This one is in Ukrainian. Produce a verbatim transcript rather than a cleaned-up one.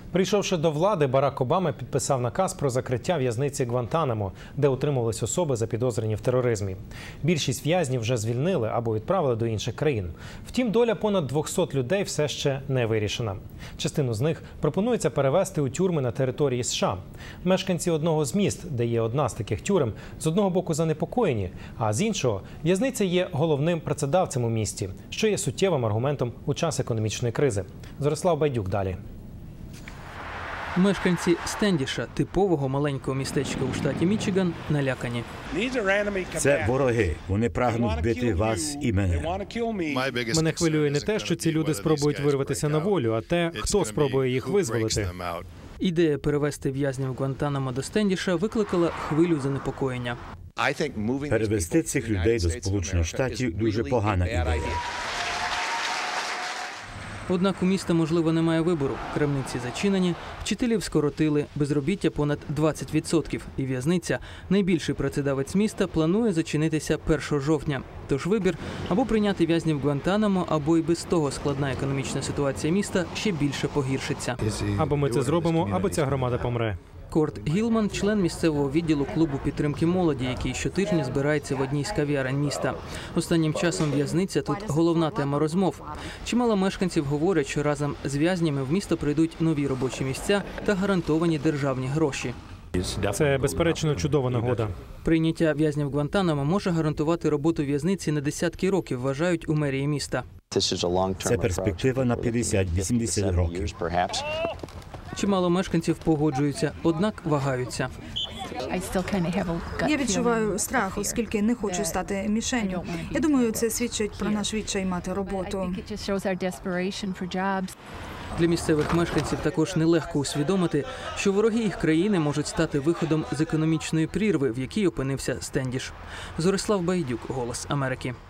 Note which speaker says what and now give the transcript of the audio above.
Speaker 1: Прийшовши до влади, Барак Обама підписав наказ про закриття в'язниці Гвантанамо, де утримувались особи, запідозрені в тероризмі. Більшість в'язнів вже звільнили або відправили до інших країн. Втім, доля понад двохсот людей все ще не вирішена. Частину з них пропонується перевезти у тюрми на території США. Мешканці одного з міст, де є одна з таких тюрем, з одного боку занепокоєні, а з іншого – в'язниця є головним працедавцем у місті, що є суттєвим аргументом у час економічної кризи. Зорислав Байдюк далі.
Speaker 2: Мешканці Стендіша, типового маленького містечка у штаті Мічиган, налякані.
Speaker 3: Це вороги. Вони прагнуть вбити вас і мене.
Speaker 1: Мене хвилює не те, що ці люди спробують вирватися на волю, а те, хто спробує їх визволити.
Speaker 2: Ідея перевезти в'язнів Гвантанамо до Стендіша викликала хвилю занепокоєння.
Speaker 3: Перевести цих людей до Сполучених Штатів – дуже погана ідея.
Speaker 2: Однак у міста, можливо, немає вибору. Крамниці зачинені, вчителів скоротили, безробіття понад двадцять відсотків. І в'язниця, найбільший працедавець міста, планує зачинитися першого жовтня. Тож вибір – або прийняти в'язнів Гвантанамо, або і без того складна економічна ситуація міста ще більше погіршиться.
Speaker 1: Або ми це зробимо, або ця громада помре.
Speaker 2: Корт Гілман – член місцевого відділу клубу підтримки молоді, який щотижня збирається в одній з кав'ярень міста. Останнім часом в'язниця тут головна тема розмов. Чимало мешканців говорять, що разом з в'язнями в місто прийдуть нові робочі місця та гарантовані державні гроші.
Speaker 1: Це, безперечно, чудова нагода.
Speaker 2: Прийняття в'язнів Гвантанамо може гарантувати роботу в'язниці на десятки років, вважають у мерії міста.
Speaker 3: Це перспектива на п'ятдесят-вісімдесят років.
Speaker 2: Чимало мешканців погоджуються, однак вагаються.
Speaker 4: Я відчуваю страх, оскільки не хочу стати мішенню. Я думаю, це свідчить про наш відчай мати роботу.
Speaker 2: Для місцевих мешканців також нелегко усвідомити, що вороги їх країни можуть стати виходом з економічної прірви, в якій опинився Стендіш. Зорислав Байдюк, «Голос Америки».